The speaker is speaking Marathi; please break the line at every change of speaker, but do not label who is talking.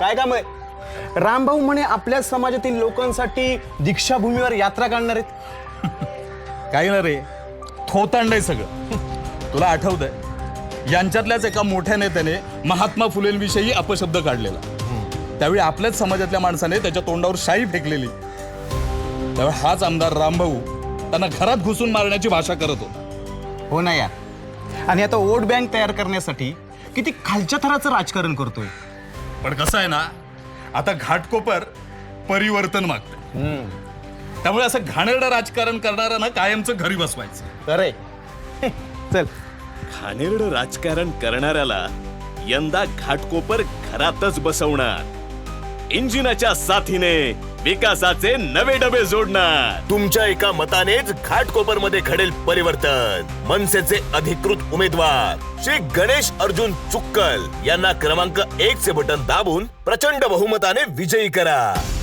काय काम आहे? रामभाऊ म्हणे आपल्या समाजातील लोकांसाठी दीक्षाभूमीवर यात्रा काढणार आहेत.
काय ना रे, थोतांड आहे सगळं. तुला आठवतंय यांच्यातल्याच एका मोठ्या नेत्याने महात्मा फुलेंविषयी अपशब्द काढलेला. त्यावेळी आपल्याच समाजातल्या माणसाने त्याच्या तोंडावर शाई फेकलेली. त्यावेळी हाच आमदार रामभाऊ त्यांना घरात घुसून मारण्याची भाषा करत होता.
हो ना यार. आणि आता वोट बँक तयार करण्यासाठी किती खालच्या थराचं राजकारण करतोय.
पण कसं आहे ना, आता घाटकोपर परिवर्तन मागतं. त्यामुळे असं घाणेरडं राजकारण करणाऱ्यांना कायमचं घरी बसवायचं.
अरे चल.
घाणेरडं राजकारण करणाऱ्याला यंदा घाटकोपर घरातच बसवणार. इंजिनाच्या साथीने विकासाचे नवे डबे जोडणार.
तुमच्या एका मतानेच घाटकोपरमध्ये घडेल परिवर्तन. मनसेचे अधिकृत उमेदवार श्री गणेश अर्जुन चुक्कल यांना क्रमांक 1 चे बटन दाबून प्रचंड बहुमताने विजयी करा.